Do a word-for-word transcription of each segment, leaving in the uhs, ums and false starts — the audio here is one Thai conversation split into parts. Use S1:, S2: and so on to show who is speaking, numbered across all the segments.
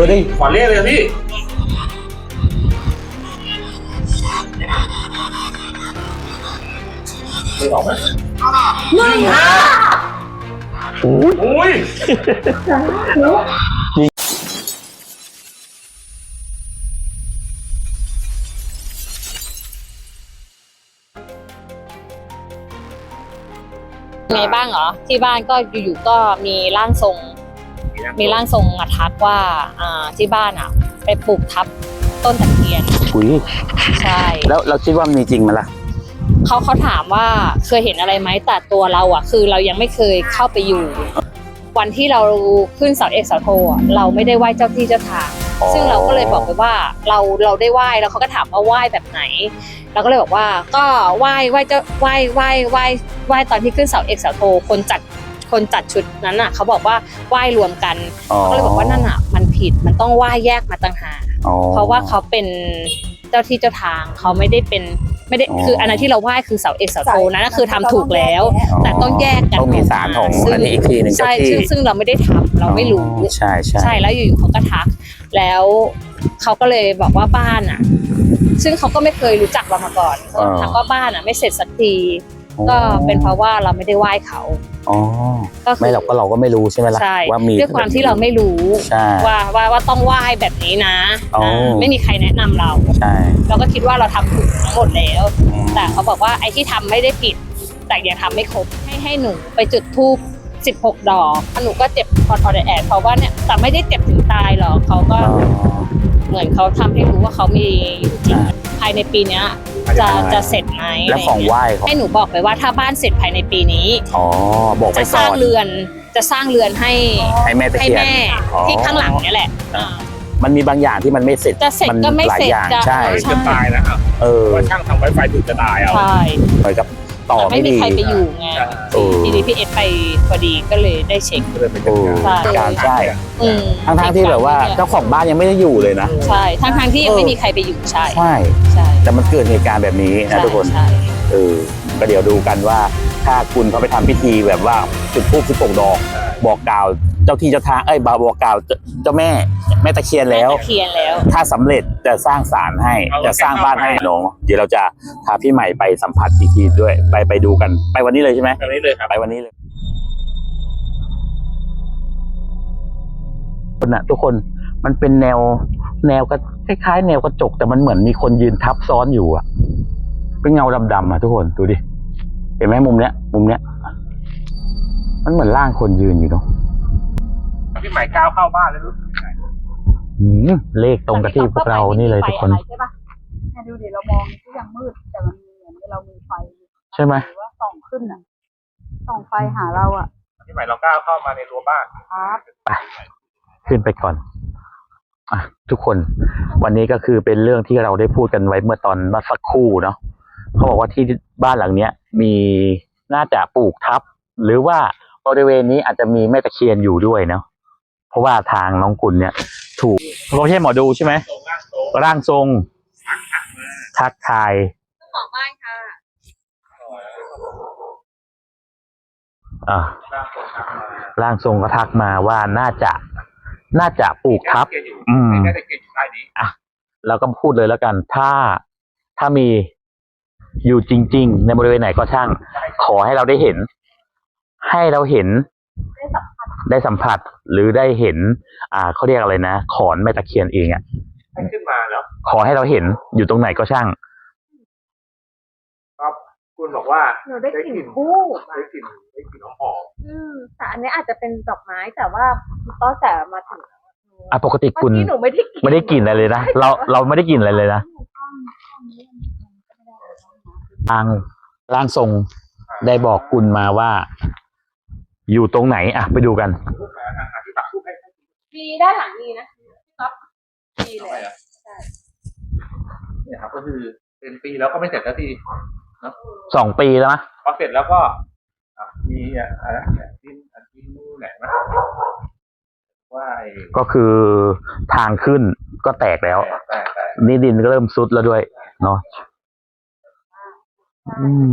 S1: ดิ
S2: ขอเลขเลยพี่ไม่ออกไหมหนึ่งห้าโอ้ย
S3: ไงบ้างเหรอที่บ้านก็อยู่ๆก็มีร่างทรงมีร่างทรงมาทักว่าอ่าที่บ้านอ่ะไปปลูกทับต้นตะเคียน
S1: อุ้ย
S3: ใช่
S1: แล้วเราคิดว่ามีจริงไหมล่ะ
S3: เขาเขาถามว่าเคยเห็นอะไรไหมแต่ตัวเราอ่ะคือเรายังไม่เคยเข้าไปอยู่วันที่เราขึ้นเสาเอกเสาโทอ่ะเราไม่ได้ไหว้เจ้าที่เจ้าทางซึ่งเราก็เลยบอกไปว่าเราเราได้ไหว้แล้วเขาก็ถามว่าไหว้แบบไหนเราก็เลยบอกว่าก็ไหว้ไหว้เจ้าไหว้ไหว้ไหว้ไหว้ตอนที่ขึ้นเสาเอกเสาโทคนจัดคนจัดชุดนั้นอ่ะเขาบอกว่าไหว้รวมกันก็เลยบอกว่านั่นอ่ะมันผิดมันต้องไหว้แยกมาต่างหากเพราะว่าเขาเป็นเจ้าที่เจ้าทางเขาไม่ได้เป็นไม่ได้คืออันนั้นที่เราไหว้คือเสาเอกเสาโทนั้นก็คือทำถูกแล้วแต่ต้องแยกกัน
S1: ต้องมีศาลของอันนี้อีกทีหนึ่ง
S3: ใช่ซึ่งซึ่งเราไม่ได้ทำเราไม่รู้
S1: ใช่ใช่
S3: ใช่แล้วอยู่ๆเขาก็ทักแล้วเขาก็เลยบอกว่าบ้านอ่ะซึ่งเขาก็ไม่เคยรู้จักเรามาก่อนเขาทักว่าบ้านอ่ะไม่เสร็จสักทีก็เป็นเพราะว่าเราไม่ได้ไหว้เขา
S1: อ๋อไม่เราก็เราก็ไม่รู้ใช่ไหมล่ะว่ามี
S3: ด้วยความที่เราไม่รู้ว่าว่าว่าต้องไหว้แบบนี้นะไม่มีใครแนะนำเรา
S1: ใช่
S3: เราก็คิดว่าเราทำถูกทั้งหมดแล้วแต่เขาบอกว่าไอ้ที่ทำไม่ได้ผิดแต่ยังทำไม่ครบให้ให้หนูไปจุดธูปสิบหกดอกหนูก็เจ็บพอทอดแอดเพราะว่าเนี่ยแต่ไม่ได้เจ็บถึงตายหรอกเขาก็เหมือนเขาทำให้รู้ว่าเขามีอยู่จริงภายในปีนี้จะจะเสร็จไหม
S1: แล้วของไหว้
S3: ให้หนูบอกไปว่าถ้าบ้านเสร็จภายในปีนี้
S1: อ๋อบอกไปก่อน
S3: จะสร้างเรือนจะสร้างเรือนให้
S1: ให้แม่ตะเคียน
S3: ที่ข้างหลังนี่แหละ
S1: มันมีบางอย่างที่มันไม่เสร็จ
S3: จะเสร็จก็ไม่เสร็จ
S1: ใช่
S2: จะตายนะครับเออว่าช่างทำไวไฟถึงจะตายเอา
S3: ใช่
S1: เหมือนกับต่อ
S3: ไม่มีใครไปอยู่ไงทีนี้พี่เอสไปพอดีก็เลยได้เช็ค
S1: การใช่ทั้งทั้งที่แบบว่าเจ้าของบ้านยังไม่ได้อยู่เลยนะ
S3: ใช่ทั้งทั้งที่ยังไม่มีใครไปอยู่ใช่
S1: ใช่ใช่แต่มันเกิดเหตุการณ์แบบนี้นะทุกคนเออก็เดี๋ยวดูกันว่าถ้าคุณเขาไปทำพิธีแบบว่าจุดธูปสิบหกดอกบอกกล่าวเจ้าที่เจ้าทางเอ้ยบอกกล่าวเจ้าแม่แม่ตะเคียนแล้วถ้าสำเร็จจะสร้างศาลให้จะสร้างบ้านให้น้องเดี๋ยวเราจะพาพี่ใหม่ไปสัมผัสอีกทีด้วยไปไปดูกันไปวันนี้เลยใช่ไหม
S2: ไปวันนี้เลยครับ
S1: ไปวันนี้เลยคนน่ะทุกคนมันเป็นแนวแนวก็คล้ายๆแนวกระจกแต่มันเหมือนมีคนยืนทับซ้อนอยู่อ่ะเป็นเงาดำๆอ่ะทุกคนดูดิเห็นไหมมุมเนี้ยมุมเนี้ยมันเหมือนร่างคนยืนอยู่เนาะ
S2: พี่ใหม่ก้าวเข้าบ้านแล้วรู้สึกไง
S1: เลขตรงกับที่พวกเรานี่เลยทุกคน
S4: ใช่ปะเนี่ยดูดิเรามองก็ยังมืดแต่มันเหมือนเรามีไฟ
S1: ใช่ไหม
S4: ว่าส่องขึ้นอ่ะส่องไฟหาเราอ่ะ
S2: พี่ใหม่เราก้าวเข้ามาในรั้วบ้าน
S4: ครับ
S1: ไปขึ้นไปก่อนอ่ะทุกคนวันนี้ก็คือเป็นเรื่องที่เราได้พูดกันไว้เมื่อตอนเมื่อสักครู่เนาะเขาบอกว่าที่บ้านหลังเนี้ยมีน่าจะปลูกทับหรือว่าบริเวณนี้อาจจะมีแม่ตะเคียนอยู่ด้วยเนาะเพราะว่าทางน้องกุลเนี่ยถูกเขาไม่ใช่หมอดูใช่ไหมร่างทรงทักทาย
S3: เจ้าของบ้านค่ะ
S1: อ่าร่างทรงก็ทักมาว่าน่าจะน่าจะปลูกทับอืมอ่ะเราก็พูดเลยแล้วกันถ้าถ้ามีอยู่จริงๆในบริเวณไหนก็ช่างขอให้เราได้เห็นให้เราเห็นได้สัมผัสหรือได้เห็นอ่าเขาเรียกอะไรนะขอนแม่ตะเคียนเองอ่ะ
S2: ขึ้นมาแล้ว
S1: ขอให้เราเห็นอยู่ตรงไหนก็ช่าง
S2: ครับคุณบอกว่า
S4: หนูได้กลิ่นคู่
S2: ได้กลิ่นได้กลิ่นหอม
S4: อืมแต่อันนี้อาจจะเป็นดอกไม้แต่ว่าก็แต่มาถึง
S1: อ่ะปกติคุณไม่ได้กลิ่นอะไรเลยนะเราเราไม่ได้กลิ่นอะไรเลยนะทางร่างทรงได้บอกคุณมาว่าอยู่ตรงไหนอ่ะไปดูกัน
S4: มีด้านหลังมีนะครับมีเลยใช่
S2: เนี่ยครับก็คือเป็นปีแล้วก็ไม่เสร็จสักทีเนาะ
S1: สองปีแล้วมั้ย
S2: พอเสร็จแล้วก็มีอะไรดินดินนู่นแหละนะว่า
S1: ก็คือทางขึ้นก็แตกแล้วนี่ดินก็เริ่มซุดแล้วด้วยเนาะอืม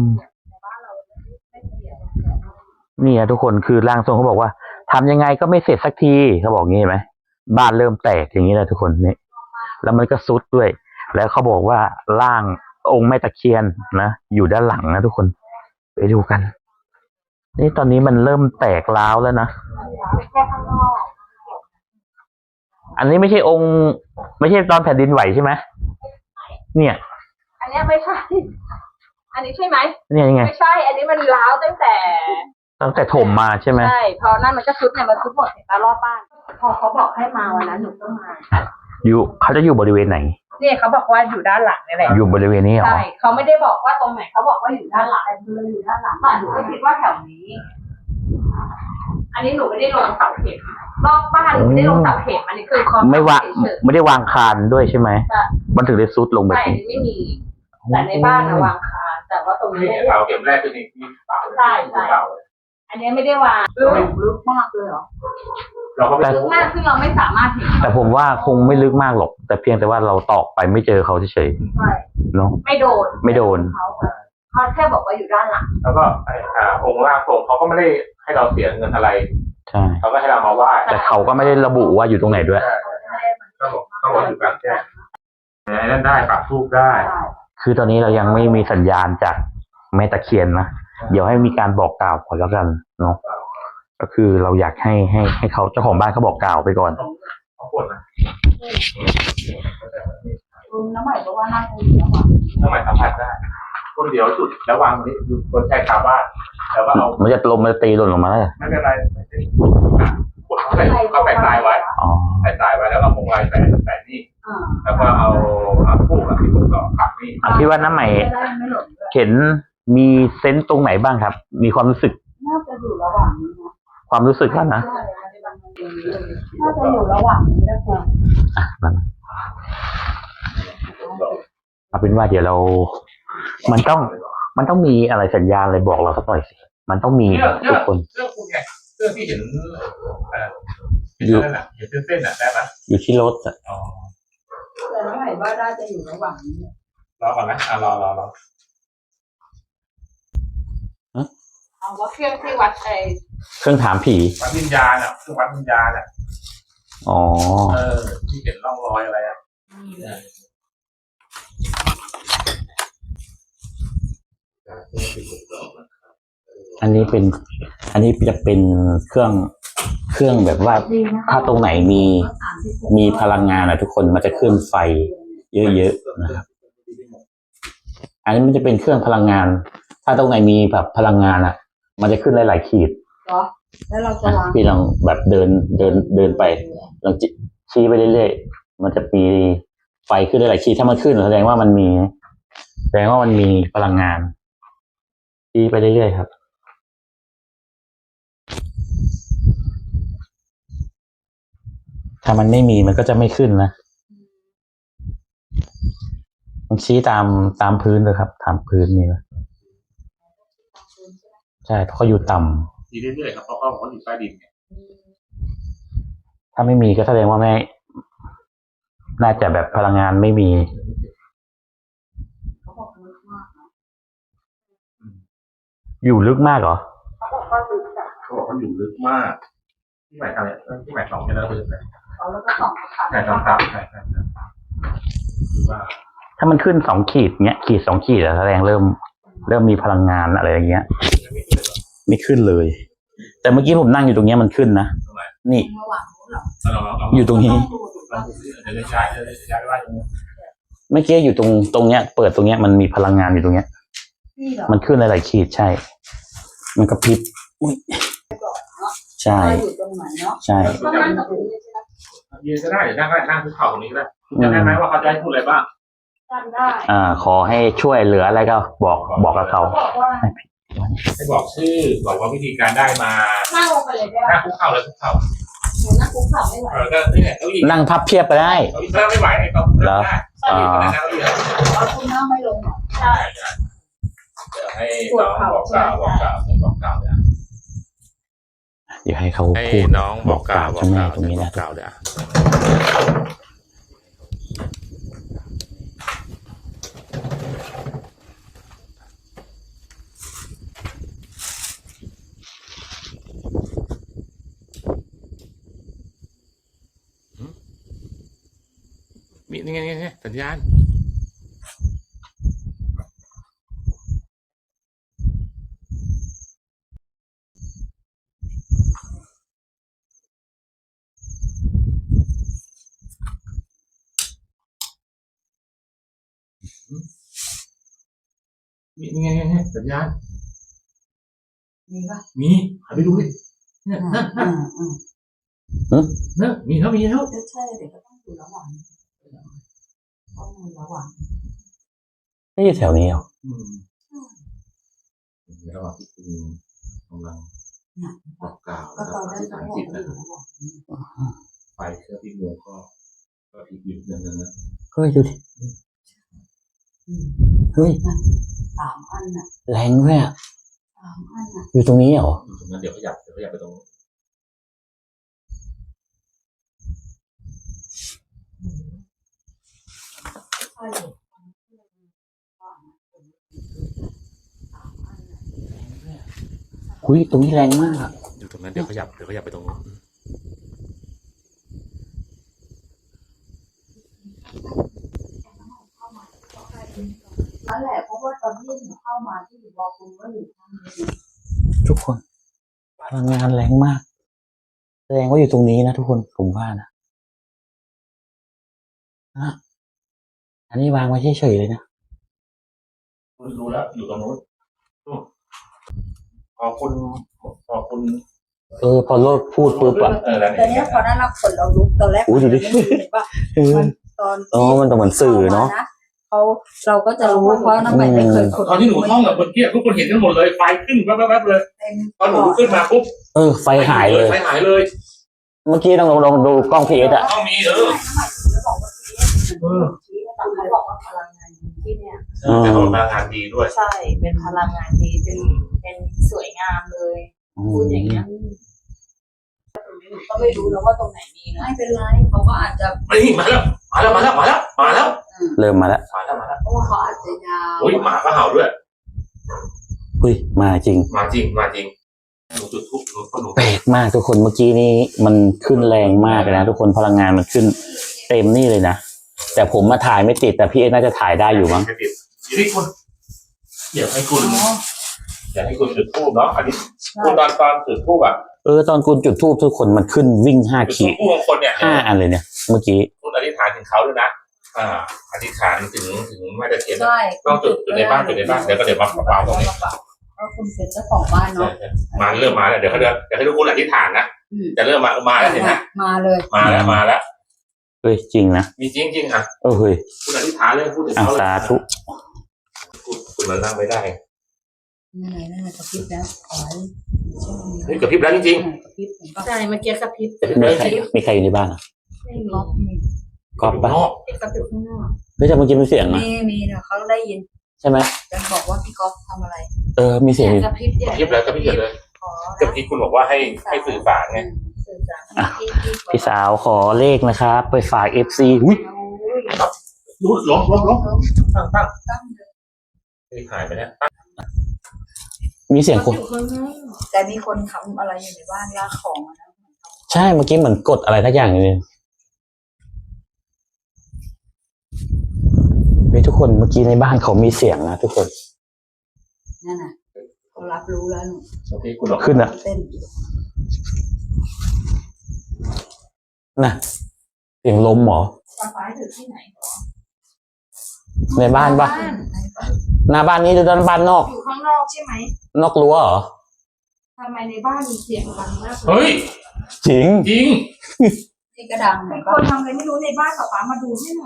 S1: นี่ทุกคนคือร่างทรงเขาบอกว่าทำยังไงก็ไม่เสร็จสักทีเขาบอกงี้ไหมบ้านเริ่มแตกอย่างนี้เลยทุกคนนี่แล้วมันก็ซุดด้วย แล้วเขาบอกว่าร่างองค์แม่ตะเคียนนะอยู่ด้านหลังนะทุกคนไปดูกัน นี่ตอนนี้มันเริ่มแตกร้าวแล้วนะ
S4: แค่ข้างนอก
S1: อันนี้ไม่ใช่องค์ ไม่ใช่ตอนแผ่นดินไหวใช่ไหมเนี่ย
S4: อันเนี้ยไม่ใช่ อันนี้ใช่ไหม
S1: เนี่ยยังไง
S4: ไม่ใช่ อันนี้มันร้าวตั้งแต่
S1: ตั้งแต่ถมมาใช่ไหม
S4: ใช่ พอนั่นมันก็ซุดเนี่ยมันซุดหมดเห็นตารอบบ้าน พอเขาบอกให้มาวันนั้นหนูก็มา
S1: อยู่เขาจะอยู่บริเวณไหน
S4: เนี่ยเขาบอกว่าอยู่ด้านหลังนี่แหละ
S1: อยู่บริเวณนี้เหรอ
S4: ใช่เขาไม่ได้บอกว่าตรงไหนเขาบอกว่าอยู่ด้านหลังเลยอยู่ด้านหลังแต่หนูก็คิดว่าแถวนี้ อันนี้หนูไม่ได้ลงเสาเข็มรอบบ้านหนูไม่ได้ลงเสาเข็มอันนี้คือคอ
S1: ไม่ว่า
S4: เฉย
S1: ไม่ได้วางคานด้วยใช่ไหม
S4: ๆแต่
S1: มันถึงได้ซุดลงแบบ
S4: ใช่อัน
S1: นี้
S4: นี้ไม่มี แต่ในบ้านนะวางคานแต่ว่าตรงนี้
S2: นี่
S4: ไม่ได้
S2: เสาเข็มแรกคือนี่ที่เสา
S4: ใช่ใช่
S2: เสา
S4: อันนี้ไม่ได้วางลึกลึกมากเลยเหรอ
S2: เราก็ไม่
S4: ลึ
S2: รู้
S4: กมากซึ่งเราไม่สามารถเห็น
S1: แต่ผมว่าคงไม่ลึกมากหรอก แต่เพียงแต่ว่าเราตอกไปไม่เจอเขาเฉย
S4: ใช่
S1: ๆเนาะ
S4: ไม่โดน
S1: ไม่โดน
S4: เขาเขาแค่บอกว่าอยู่ด้านหลัง
S2: แล้วก็ไอ้อ่าองค์ร่างทรงเขาก็ไม่ได้ให้เราเสียเงินอะไร
S1: ใช่
S2: เขาก็ให้เรามาไหว้
S1: แต่เขาก็ไม่ได้ระบุว่าอยู่ตรงไหนด้วย
S2: ก็บอกต้องบอกอยู่กลางแจ้งไอ้นั่นได้ปักทูบได้
S1: คือตอนนี้เรายังไม่มีสัญญาณจากแม่ตะเคียนนะ เดี๋ยวให้มีการบอกกล่าวก่อนแล้วกันเนาะ ก็คือเราอยากให้ให้ให้เขาเจ้าของบ้านเขาบอกกล่าวไปก่อน
S2: เขาปวดนะ
S4: น้ำใหม่ก็ว่าน่าจะอยู่แล้วอ่ะ
S2: น้ำใหม่สัมผัสได้คนเดียวจุดแล้ววางนี้อยู่บนชายคาบ้านแล้วก็เอา
S1: มันจะลมมันจะตีหล่นลงมาแล้ว
S2: ไม่เป็นไรไม่เป็นกดเขาใส่เขาแปะทรายไว้
S1: อ๋อ
S2: ใส่ทรายไว้แล้วเราคงไว้แปะแปะนี่
S4: อ่า
S2: แล้วก็เอาเอาคู่กับที่ผมต่อปักนี่
S1: อ่ะพี่ว่าน้ำใหม่
S4: ได้ไม่หล่นด้วย
S1: เห็นมีเซนต์ตรงไหนบ้างครับ มีความรู้สึก
S4: น่าจะอยู่ระหว่างนี้นะ
S1: ความรู้สึกแล้วนะ
S4: น่าจะอยู่ระหว่างนี้นะคุณ
S1: อ่ะนั่นเอาเป็นว่าเดี๋ยวเรา มันต้อง มันต้องมีอะไรสัญญาณอะไรบอกเราสักหน่อยสิ มันต้องมี
S2: เรื่อง
S1: ทุกคน
S2: เรื่องคุณไงเรื่องที่เห็นเอ่อเห็นนั่นน่ะเห็นเส้นๆน่ะได้ไหม
S1: อยู่ที่รถอะ
S2: อ๋อ
S4: แต่น้ำใหม่ว่าน่าจะอยู่ระหว่างนี้
S2: รอก่อนนะอ่ะรอรอรอ
S4: เอาว่าเครื่องที่วัดไอ
S1: เครื่องถามผี
S2: วัดวิญญาณอ่ะเครื่องวัดวิญญาณอ่ะ
S1: อ๋อ
S2: เออที่เห็นร่องรอยอะไรอ่ะ
S1: อันนี้เป็น อันนี้จะเป็นเครื่อง เครื่องแบบว่า ถ้าตรงไหนมี มีพลังงานอะทุกคน มันจะขึ้นไฟเยอะๆนะครับ อันนี้มันจะเป็นเครื่องพลังงาน ถ้าตรงไหนมีแบบพลังงานอะมันจะขึ้นหลายๆขีด
S4: เหรอแล้วเราจะ
S1: อ่ะ
S4: วาง
S1: พี่ลองแบบเดิน เดิน เดินไปลองจิชี้ไปเรื่อยๆ มันจะมีไฟขึ้นหลายๆขีด ถ้ามันขึ้นแสดงว่ามันมี แสดงว่ามันมีพลังงานชี้ไปเรื่อยๆครับ ถ้ามันไม่มีมันก็จะไม่ขึ้นนะมันชี้ตามตามพื้นเลยครับตามพื้นนี่นะใช่เพราะเขาอยู่ต่ำ
S2: ทีเรื่อยๆครับเพราะเขาบอกว่าอยู่ใต้ดินไง
S1: ถ้าไม่มีก็แสดงว่าไม่ น่าจะแบบพลังงานไม่มี
S4: เขาบอกลึกมากนะ
S1: อยู่ลึกมากเหรอ
S4: เขาบอกว่าลึกอ่ะ
S2: เขาบอกเขาอยู่ลึกมากที่หมายทำเนี่ยที่หมายสองจะเลิกลึกเลย
S4: เขาแล้วก็ส่องขา
S2: ใช่สองสามใช่ใช่ใช่คือว่า
S1: ถ้ามันขึ้นสองขีดเนี้ย ขีดสองขีดอะแสดงเริ่ม เริ่มมีพลังงานอะไรอย่างเงี้ย ไม่ขึ้นเลย แต่เมื่อกี้ผมนั่งอยู่ตรงเนี้ยมันขึ้นนะนี่
S4: ระหว่างนู้นเหรอ
S2: เราเราเรา
S1: อยู่ตรงนี้
S2: เราเดี๋ยวจะย้ายเดี๋ยวจะย้ายไปว่าตรงนี้
S1: เมื่อกี้อยู่ตรงตรงเนี้ย เปิดตรงเนี้ยมันมีพลังงานอยู่ตรงเนี้ย
S4: นี่เหรอ
S1: มันขึ้นหลายๆขีดใช่ มันกระพริบอุ๊ยใช่
S4: ว่าอยู่ตรงไหนเนาะ
S1: ใช่
S4: ก็นั่งกับพื้นเลยใช่ไหม
S2: ยืนก็ได้เดี๋ยวนั่งก็ได้นั่งคุกเข่าตรงนี้ก็ได้จะได้ไหมว่าเขาจะให้พูดอะไรบ้าง
S4: จำได้
S1: อ่า ขอให้ช่วยเหลืออะไรก็บอกบอกกับเขา
S4: บอกว่า
S2: ให้บอกชื่อบอกว่าวิธีการได้มา
S4: นั่งลงไปเลยได้
S2: นั่งคุกเข่าเลยคุกเข่า
S4: หนูนั่งคุกเข่าไม่ไหว
S2: เออก็นี่แหละเก้าอี้
S1: นั่งพับเพียบไปได้
S2: เก้าอี้นั่งไม่ไหวไอ้เขานั่งได้ใช่นั่งเก้าอี้
S4: เอาคุณนั่งไม่ลงหรอใช่
S2: เดี๋ยวให้น้องบอกกล่าวบอกกล่าวให้บอกกล่าวเนี่ย
S1: เดี๋ยวให้เขา
S2: ให้
S1: พูด
S2: น้องบอกกล่าว
S1: เจ้าแม่ตรงนี้นะ
S2: กล่าวเดี๋ยวมีนี่ไงนี่ไงสัญญาณมีนี่ไงนี่ไงสัญญาณ
S5: มีปะ
S2: มีหาไปดูดิเนี่ยนั่นนั่น
S5: อืม
S2: นั่นมีแล้วมีแล้ว
S5: ก็ใช่เดี๋ยวก็ต้องอยู่ระหว่างต้องอยู่ระหว่าง
S1: ไม่ใช่แถวนี้หรอ
S2: อืมระหว่างที่คุณกำลัง
S5: เนี่ย
S2: บอกกล่าว
S5: ก็
S2: แล้ว
S5: ต
S2: ก็
S5: อน
S2: อ
S5: นั้
S2: ธิ
S5: น
S2: ษ
S5: ก็
S2: ฐาน
S5: บอก
S2: จิต
S5: ว่า
S2: นะ
S5: อยู่ระหว่าง
S2: ไฟเครื่องที่มือก็ก็พลิกอยู่นั่นนั่นนะ
S1: เฮ้ยดูดิ
S5: อืม
S1: เฮ้ย
S5: สามอันน่ะ
S1: แรงด้วยอ่ะ
S5: สามอันน่ะ
S1: อยู่ตรงนี้เหรอ
S2: ตรงนั้นเดี๋ยวขยับเดี๋ยวขยับไปตรง
S5: ใช่อยู่สามอันน่ะ
S1: อุ้ยตรงนี้แรงมากอะ
S2: อยู่ตรงนั้นเดี๋ยวขยับเดี๋ยวขยับไปตรงนู้น
S5: นั่นแหละเพราะว่าตอนที่หนูเข้ามาที่หนูบอกคุณว่าอยู่ข้างนี้
S1: ทุกคน พลังงานแรงมาก แสดงว่าอยู่ตรงนี้นะทุกคนผมว่านะอ่ะอันนี้วางไว้เฉยๆเลยนะ
S2: รู้แล้วอยู่ตรงนู้นนู่นพอคุณพอคุณ
S1: เออพอโลดพูดปุ๊บอะ
S2: เออแล้ว
S5: แต่เนี้ยพอนั้นเราขนเราลุกตอนแรก
S1: อุ้ยดูดิ
S5: มันไม่เห็นปะ
S1: เออ
S5: มันตอน
S1: อ๋อมันต้องเหมือนสื่อเนาะ
S5: เขาเราก็จะรู้เพราะน้ำใหม่ไม่เคยขน
S2: ตอนที่หนูท่องอะเมื่อกี้ทุกคนเห็นกันหมดเลยไฟขึ้นแว๊บๆเลย
S5: เต็ม
S2: ตอนหนูลุกขึ้นมาปุ๊บ
S1: เออ ไฟหายเลย
S2: ไฟหายเลย
S1: เมื่อกี้ต้องลองลองดูกล้องพีเอสอะ
S2: ต้องมีเออ
S5: เขาบอกว่าพลังงานที่เนี่ย
S2: แต่เขาพลังงานดีด้วย
S5: ใช่เป็นพลังงานดีเป็นเป็นสวยงามเลยพูดอย่างเงี้ยก็ไม่รู้นะว่าตรงไหนมีนะไม่เป็นไรเขาก็อาจจะ
S2: นี่มาแล้วมาแล้วมาแล้วมาแล้วมาแล้ว
S1: เริ่มมาแล้ว
S2: มาแล้วมาแล้ว
S5: เพราะว่าเขาอาจจะยาว
S2: โอ้ยหมาก็เห่าด้วย
S1: เฮ้ยมาจริง
S2: มาจริงมาจริงหนูจุดทุบหนูก็หนู
S1: แปลกมากทุกคนเมื่อกี้นี้มันขึ้นแรงมากเลยนะทุกคนพลังงานมันขึ้นเต็มนี่เลยนะแต่ผมมาถ่ายไม่ติดแต่พี่เอน่าจะถ่ายได้อยู่มั้ง
S2: ไม่ติดอยู่ที่คุณเดี๋ยวให้คุณเดี๋ยวให้คุณจุดทูบเนาะอันนี้คุณตอนตอนจุดทูบอ่ะ
S1: เออตอนคุณจุดทูบทุกคนมันขึ้นวิ่งห้า
S2: จุด
S1: ขีด
S2: ทูบบางคนเนี่ย
S1: ห้าอันเลยเนี่ย เมื่อกี้
S2: คุณอธิษฐานถึงเขาด้วยนะอ่าอธิษฐานถึงถึงแม่ตะเคียน
S5: ใช่
S2: ต้องจุดจุดในบ้านจุดในบ้านเดี๋ยวก็เดี๋ยวมาเปล่าตรงนี้
S5: ก็คุณเป็นเจ้าของบ้านเนาะ
S2: มาเริ่มมาแล้วเดี๋ยวเขาเดี๋ยวเดี๋ยวให้ทุกคนอธิษฐานนะจะเริ่มมามาแล้วเห็นไหม
S5: มาเลย
S2: มาแล้วมาแล้ว
S1: เฮ้ยจริงนะ
S2: มีจริงจริงอ่ะ
S1: เออเฮ้ย
S2: คุณอธิษฐานเลยพูดถึง
S1: อ่ะ
S2: เขาเลย
S1: สาธุ
S2: คุณมันนั่งไม่ได้
S5: นั่นไงนั่นไงกระพริบแล้วขอให้
S2: เฮ้ยกระพริบแล้วจริง
S5: กระพริบเห็นปะใช่เมื่อกี้กระพริบ
S2: ๆกระพริบ
S1: มี
S2: แล้ว
S1: ใคร
S2: จริง
S1: มีใครอยู่ในบ้านอ่ะ
S5: ไม่มีมี
S1: ก๊อฟปะ
S2: นอก
S5: กระพริบข้างนอก
S1: เฮ้ยแต่เมื่อกี้มีเสียงนะ
S5: มีมีนะเขาได้ยิน
S1: ใช่ไหม
S5: จะบอกว่าพี่ก๊อฟทำอะไร
S1: เออมีเสียงอยู่
S5: กระพริบ
S2: กระพริบแล้วกระพริบเลย
S5: ขอ
S2: เมื่อกี้คุณบอกว่าให้ให้สื่อสารไง
S5: สื่อสารที่ที่
S1: พี่สาวขอเลขนะครับไปฝากเอฟซีอุ้ย
S2: ดูล้มล้มล้มตั้งตั้ง
S5: ตั้งเลย
S2: เฮ้ยหายไปแล้ว
S1: มีเสียงคน
S5: แต่มีคนทำอะไรอยู่ในบ้านลากของอะนะ
S1: ใช่เมื่อกี้เหมือนกดอะไรทักอย่างเลยเฮ้ยทุกคนเมื่อกี้ในบ้านเขามีเสียงนะทุกคน
S5: นั่นน่ะเขารับรู้แล้วหนู
S2: เมื่อกี้คุณบอก
S1: ขึ้นอ่ะ
S5: เต้น
S1: น่ะเสียงลมเหรอ
S5: ป้าป้าอยู่ที่ไหน
S1: ในบ้านปะหน้าบ้านนี้หรือด้านบ้านนอก
S4: อยู่ข้างนอกใช่ไหม
S1: นอกรั้วเหรอ
S4: ทำไมในบ้านมีเสียงดังมากเลย
S2: เฮ้ย
S1: จริง
S2: จริง
S5: ที่กระดัง
S4: เป็
S5: เนี่ย
S4: นคนทำอะไรไม่รู้ในบ้านป๊าป๊ามาดูให้หน่อย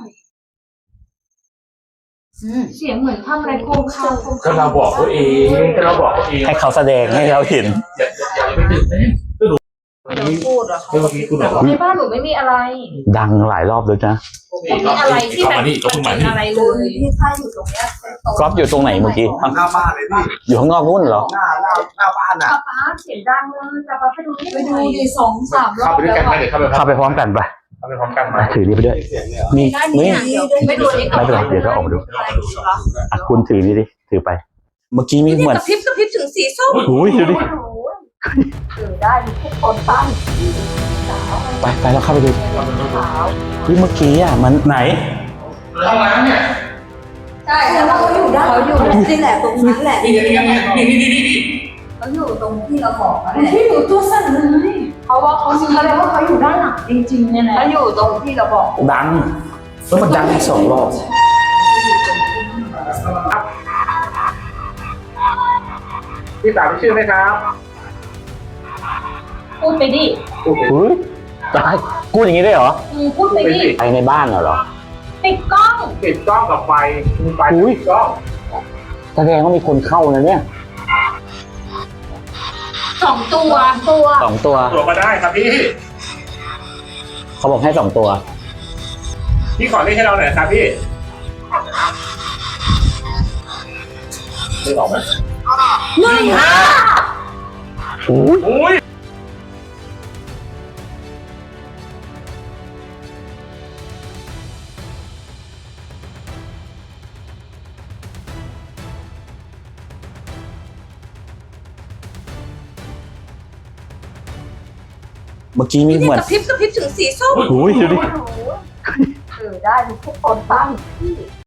S5: อืม
S4: เสียงเหมือนทำอะไรโคมคามโคม
S2: ก็
S4: คาม
S2: เราบอกเขาเองก็เราบอกเขาเอง
S1: ให้เขาแสดงให้เราเห็น
S2: อย่าอย่าอย่าไปตื่นเต้นก็ดูเมื่อ
S5: เรา
S2: กี้
S5: พูดเหรอเขา
S2: เมื่อกี้คุณบอกว่า
S4: ในบ้านหนูไม่มีอะไร
S1: ดังหลายรอบเลยนะ
S4: ไม่มีอะไรที่แบบ
S2: มานี่ก็เพิ่งมา
S4: เป็น
S2: นี่
S4: อะไรเล
S5: คื
S4: ย
S5: ที่ถ้าอยู่ตรงเนี้ยเป็นโต๊ะ
S1: ก๊อฟอยู่ตรงไหนเมื่อกี้
S6: หน้าบ้านเลยพี่
S1: อยู่ข้างนอกนู่นเหรอ
S6: หน้าหน้าหน้าบ้านอ่ะ
S4: ป๊าป๊าเสียงดังเลยป๊าป๊าไปดูนี่
S5: ไป
S4: ห
S5: ดู
S4: น่อย
S5: ดิสองสามรอ
S2: เข้า
S5: บ
S2: ไปด้วย
S5: แล้
S2: กัน
S5: ว
S2: ไหม
S5: อะ
S2: เดี๋ยวเข้าไป
S1: เข้าไปพร้อมกันปะ
S2: เข้าไปพร้อมกันมา
S1: ถือนี่ไปด้วย
S6: มีเสียงเลยเหรอ
S1: มี
S4: ได้
S1: มี
S4: เนี่ยเดี๋ยวไม่ดูนี่ก่อน
S1: ไม่เป็นไรเดี๋ยวก็ออกมาดู
S2: เรามาดูสอง
S1: อ่ะคุณถือนี่ดิถือไป เมื่อกี้มีเหมือน
S4: กระพริบกระพริบถึงสีส้ม
S1: โอ้ยดูดิ
S5: ถือได้ทุกคนตั้งสาม
S1: ไปไปแล้วเข้าไปดูเฮ้ยเมื่อกี้อ่ะมันไหน
S2: ห้องน้ำเนี่ย
S5: ใช่แล้วเขาอยู่ด้านเขาอยู่นี่แหละตรงนั้นแหละ
S2: นี่นี่นี่นี่นี่นี่นี่
S5: เขาอยู่ตรงที่เราบอกนั่นแหละ
S4: ที่อยู่ตัวสั่นเลยเขาว่าเขาแสดงว่าเขาอยู่ด้านหลังจริงๆเนี่ยแหละ
S5: เขาอยู่ตรงที่เราบอก
S1: ดังแล้วมันดังอีกสองรอบ
S2: พี่สาวมีชื่อไหมครับ
S3: พูดไปดิ
S2: พูดไป
S1: เฮ้ยจะให้กูอย่างนี้ได้เหรอ
S3: อืมพูดไปดิ
S1: ไปในบ้านเหรอ
S3: ปิดกล้อง
S2: ติดกล้องกับไฟมีไฟ
S1: อุ๊ย
S2: ติดกล้อง
S1: แสดงว่ามีคนเข้านะเนี่ย
S3: สองตัวตัว
S1: สองตัว
S2: ตัวมาได้ครับพี่
S1: เขาบอกให้สองตัว
S2: พี่ขอเลขให้เราหน่อยครับพี่เลขออกไหม
S3: หนึ่งห้า
S1: อุ้ย
S2: อุ้ย
S1: เมื่อกี้มีเหมือน
S5: กระพริบกระพริบถึงสีส้ม
S1: อุ้ยดูดิ
S5: เออได้ทุกคนตั้ง